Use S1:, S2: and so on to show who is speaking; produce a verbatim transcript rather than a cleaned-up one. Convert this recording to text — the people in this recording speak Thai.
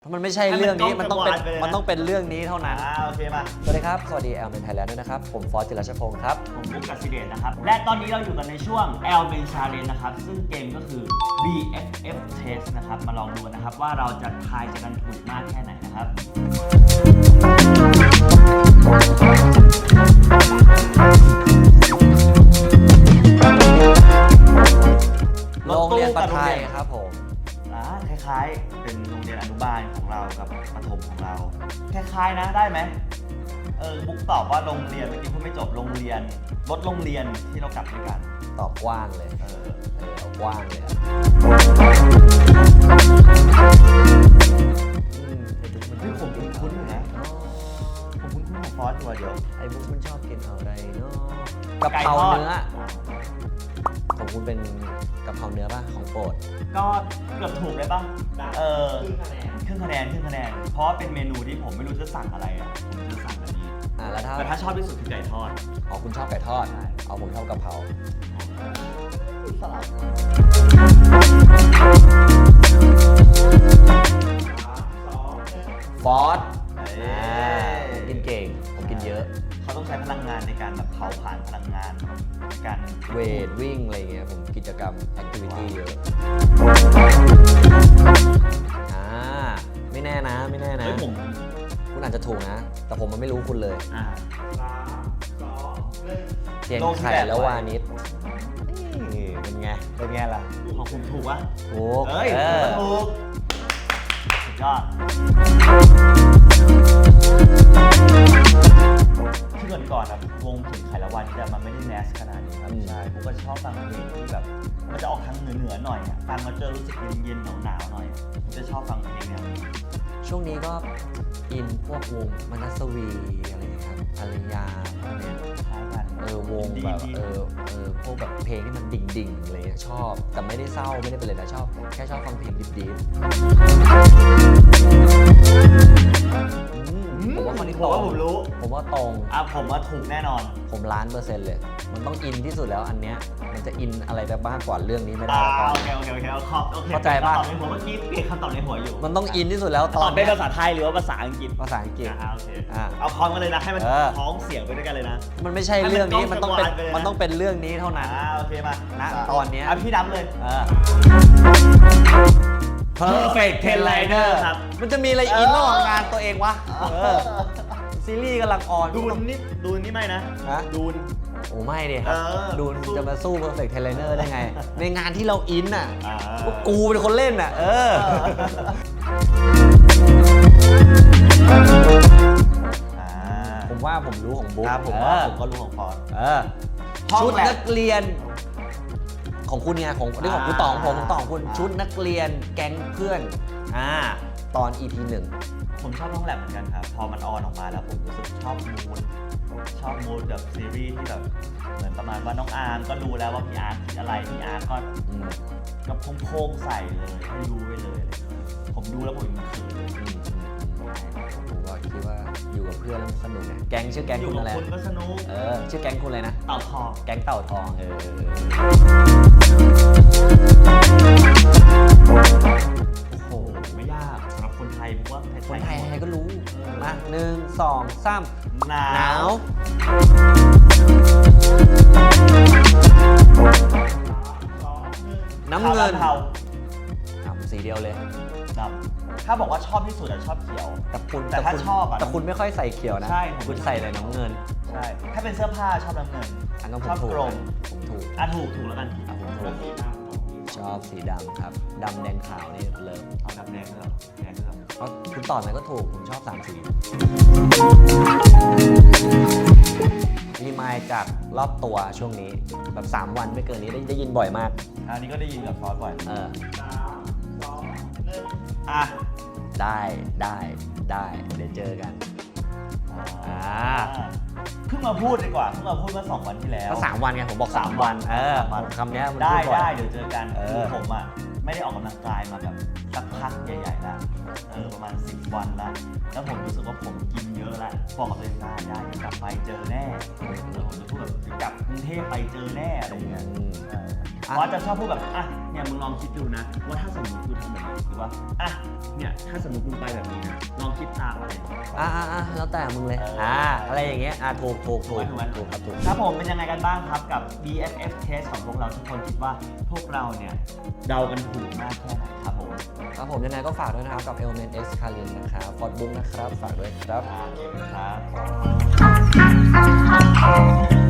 S1: มันไม่ใช่เรื่องนี้มันต้องเป็นมันต้องเป็นเรื่องนี้เท่านั้น
S2: อ่าโอเคมา
S1: สวัสดีครับสวัสดีแอลเมนไทยแลนด์ด้วยนะครับผมฟอสจิรชพงศ์ครับ
S2: ผมบุ๊กกัสซิเดชนะครับและตอนนี้เราอยู่กันในช่วง L Men Challenge นะครับซึ่งเกมก็คือ บี เอฟ เอฟ Test นะครับมาลองดูนะครับว่าเราจะทายจะกันถูกมากแค่ไหนนะครับ
S1: โรงเรียนประไทยครับผม
S2: อ่าคล้ายๆเป็นโรงเรียนอนุบาลของเรากับประถมของเราคล้ายๆนะได้ไหมเออบุ๊กตอบว่าโรงเรียนเมื่อกี้พูดไม่จบโรงเรียนรถโรงเรียนที่เรากลับด้วยกัน
S1: ตอบกว้างเลยเออเออเอากว้างเลยอืมไอ้บุ๊กมัน
S2: ที่ผมคุ้นๆอยู่นะผมคุ้นๆของฟอสตัวเดียว
S1: ไอ้บุ๊กมันชอบกินอะไรเนาะกะเพราเนื้อของคุณเป็นกะเพราเนื้อป่ะของโปรด
S2: ก็เกือบถูกเลยป่ะเออครึ่งคะแนนครึ่งคะแนนครึ่งคะแนนเพราะว่าเป็นเมนูที่ผมไม่รู้จะสั่งอะไรอ่ะผมจะสั่งอันนี้
S1: อ่าแล้วถ้า
S2: แต่ถ้าชอบที่สุดคือไก่ทอด
S1: อ๋อคุณชอบไก่ทอดเอาผมชอบกะเพรา
S2: สลับ
S1: ฟอสผมกินเก่งผมกินเยอะ
S2: เขาต้องใช้พลังงานในการแบบเผาผลาญพลังงานในการ
S1: เวทวิ่งอะไรเงี้ยผมกิจกรรมแอคทิวิตี้เยอะอ่าไม่แน่นะไม่แน่นะ
S2: ผม
S1: คุณอาจจะถูกนะแต่ผมมันไม่รู้คุณเลย
S2: อ่าสามสองหนึ่ง
S1: เทียนไข่แล้ววานิชเป็นไงเป็นไงล่ะ
S2: ของคุณถูกวะ
S1: ถูก
S2: เอ้ยถูกสุดยอดที่ก่อนก่อนนะวงถึงไข่ละวันนี่มันไม่ได้แมสขนาดนี้ครับใช่ผมก็ชอบฟังเพลงที่แบบมันจะออกทางเหนือเหนือหน่อยอ่ะฟังมาเจอรู้สึกเย็นเย็นหนาวหนาวหน่อยผมจะชอบฟังเพลงแนวนี้
S1: ช่วงนี้ก็อินพวกวงมนัสวีอะไรครับอารยาพวกเนี้ย
S2: คล้ายกัน
S1: เออวงแบบเออเออพวกแบบเพลงที่มันดิ่งๆอะไรเงี้ยชอบแต่ไม่ได้เศร้าไม่ได้เป็นเลยนะชอบแค่ชอบฟังเพลงดิบๆผมว่าคนนี้ตรง
S2: ผมรู้
S1: ผมว่าตรง
S2: อ่ะผมว่าถูกแน่นอน
S1: ผมล้านเปอร์เซ็นต์เลยมันต้องอินที่สุดแล้วอันเนี้ยมันจะอินอะไรไปบ้างกว่าเรื่องนี้ไม่ได้
S2: ตอนโอเคโอเคโอเค
S1: เข้าใจป่ะ
S2: ตอบในหัวเมื่อกี้เปลี่ยนคำตอบในหัวอยู่
S1: มันต้องอินที่สุดแล้ว
S2: ตอนเป็นภาษาไทยหรือว่าภาษาอังกฤษ
S1: ภาษาอังกฤษ
S2: อ่าโอเคเอาพร้อมกันเลยนะให้มันพ้องเสียงไปด้วยกันเลยนะ
S1: มันไม่ใช่เรื่องนี้มันต้องเป็นมันต้องเป็นเรื่องนี้เท่านั้น
S2: อ่าโอเคมา
S1: ณตอนนี้
S2: อ่ะพี่นับเลย
S1: เออ
S2: Perfect Ten Liner ครับ
S1: มันจะมีอะไรอินระหว่างงานตัวเองวะเออซีรีส์กำลังออน
S2: ดูนนี่ดูนนี่ไม่นะดูน
S1: โอ้ไม่ดิครับดูนจะมาสู้ Perfect Ten Liner ได้ไงในงานที่เราอินน่ะก็กูเป็นคนเล่นน่ะเออผมว่าผมรู้ของบุ๊ค
S2: ผมว่าผมก็รู้ของฟอส
S1: ชุดนักเรียนของคุณไงของนี่ของคุณต่อของผมของต่อของคุณชุดนักเรียนแก๊งเพื่อนอ่าตอน อี พี หนึ่ง
S2: ผมชอบห้องแลบเหมือนกันครับพอมันออนออกมาแล้วผมรู้สึกชอบมูดชอบมูดแบบซีรีส์ที่แบบเหมือนประมาณว่าน้องอาร์มก็รู้แล้วว่าพี่อาร์คิดอะไรพี่อาร์ก็กับโค้งๆใส่เลยให้รู้ไปเลยผมดูแล้วผมยังเขินเลย
S1: ผมก็คิดว่าอยู่กับเพื่อนแล้วสนุกไงแก๊งชื่อแก๊งคุณอะไร
S2: อยู่กับคุณก็สนุก
S1: เออชื่อแก๊งคุณอะไรนะ
S2: เต่าทอง
S1: แก๊งเต่าทองเออ
S2: โอ้โหไม่ยากสำหรับคนไทยผมว่า
S1: คนไทยใครก็รู้มาหนึ่งสองสาม
S2: หนาว
S1: หนาวน้ำเงิน
S2: เทา
S1: สีเดียวเลย
S2: ดำถ้าบอกว่าชอบที่สุดอะชอบเขียว
S1: แต่คุณ
S2: แต่ถ้าชอบอะ
S1: แต่คุณไม่ค่อยใส่เขียวนะ
S2: ใช่
S1: คุณใส่แต่น้ำเงิน
S2: ใช่ถ้าเป็นเสื้อผ้าชอบน้ำเงิน
S1: ชอบ
S2: กรม
S1: ผมถูก
S2: อ่ะถูกถูกแล้วกัน
S1: อ่ะผมถูกชอบสีดำครับดำแดงขาวนี่เลิฟ
S2: เอาดำแดงครับแดงครับ
S1: เพราะคุณต่อไหนก็ถูกผมชอบสามสีรีมายจากรอบตัวช่วงนี้แบบสามวันไม่เกินนี้ได้ได้ยินบ่อยมาก
S2: อันนี้ก็ได้ยินกับฟอสบ่อย
S1: เออ
S2: อ่ะ
S1: ได้ได้ได้เดี๋ยวเจอกันอ่า
S2: เพิ่งมาพูดดีกว่าเพิ่งมาพูดเมื่อสองวันที่แล้ว
S1: ก็สามวันไงผมบอกสามวันเออคำนี้มัน
S2: ได้ได้เดี๋ยวเจอกันคือผมอ่ะไม่ได้ออกกำลังกายมาแบบสักพัพักใหญ่ๆแล้วเออประมาณสิบวันแล้วแล้วผมรู้สึกว่าผมกินเยอะแล้วบอกกับตัวเองได้ได้กลับไปเจอแน่แล้วผมจะพูดแบบกลับกรุงเทพไปเจอแน่อะไรอย่างเงี้ยเพราะจะชอบพูดแบบอ่ะเนี่ยมึงลองคิดดูนะว่าถ้าสมมติกูทำแบบนี้หรือว่าอ่ะเนี่ยถ้าสมมติมึงไปแบบนี้นะลองคิดตามอะไร
S1: อ่าอ่าแล้วแต่มึงเลยอ่าอะไรอย่างเงี้ยอ่าถูกถูกถูก
S2: ถูกไหม
S1: ถูกครับถูก
S2: ครับผมเป็นยังไงกันบ้างครับกับ บี เอฟ เอฟ Test ของพวกเราทุกคนคิดว่าพวกเราเนี่ยเดากันถูกมากแค่ไหนครับผม
S1: ครับผมยังไงก็ฝากด้วยนะครับกับ Element X Kalin นะครับฟอร์ดบุ๊กนะครับฝากด้วยครับ
S2: อ่าโอเคครับ